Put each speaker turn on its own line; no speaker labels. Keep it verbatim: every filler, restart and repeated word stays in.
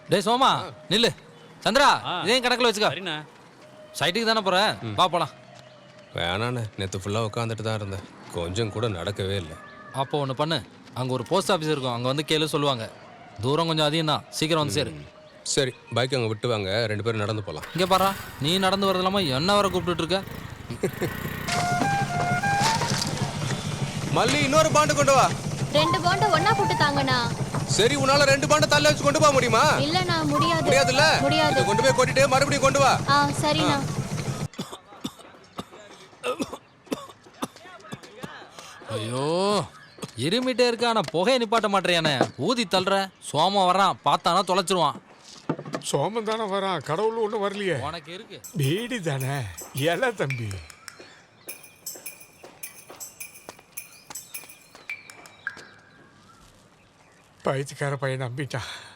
டேய் சோமா நில்லு. சந்திரா
ஆ.
இதையும் கணக்கில் வச்சுக்க.
சரிண்ணா.
சைட்டுக்கு தானே போகிறேன், வா போகலாம்.
வேணாண்ணே, நேற்று ஃபுல்லாக உட்காந்துட்டு தான் இருந்தேன், கொஞ்சம் கூட நடக்கவே இல்லை.
அப்போ ஒன்று பண்ணு, அங்கே ஒரு போஸ்ட் ஆஃபீஸ் இருக்கும், அங்கே வந்து கேளு சொல்லுவாங்க. தூரம் கொஞ்சம் அதிகம் தான், சீக்கிரம் வந்து சேரு.
சரி, பைக் அங்கே விட்டு வாங்க, ரெண்டு பேரும் நடந்து போகலாம்.
இங்கே பாரா, நீ நடந்து வரது இல்லாமல் என்ன வர கூப்பிட்டுட்டு இருக்க?
மல்லி, இன்னொரு பாண்டு கொண்டு வா.
ரெண்டு பாண்ட ஒண்ணா போட்டு தாங்கண்ணா.
சரி, உன்னால ரெண்டு பாண்டை தள்ள வச்சு கொண்டு போக முடியுமா?
இல்லண்ணா, முடியாது.
முடியாதுல்ல?
முடியாது.
இதை கொண்டு போய் கொட்டிட்டு மறுபடியும் கொண்டு வா.
ஆ சரிண்ணா.
ஐயோ, இருமிட்டே இருக்க, ஆனால் புகையை நிப்பாட்ட மாட்டேறியானே. ஊதி தள்ளுற, சோமம் வர்றான், பார்த்தானா தொலைச்சிருவான்.
சோமம் தானே வரான், கடவுள் ஒன்றும் வரலையே.
உனக்கு இருக்கு
பீடி தானே ஏல தம்பி. பைத்தியக்கார பையன் நம்பிட்டான்.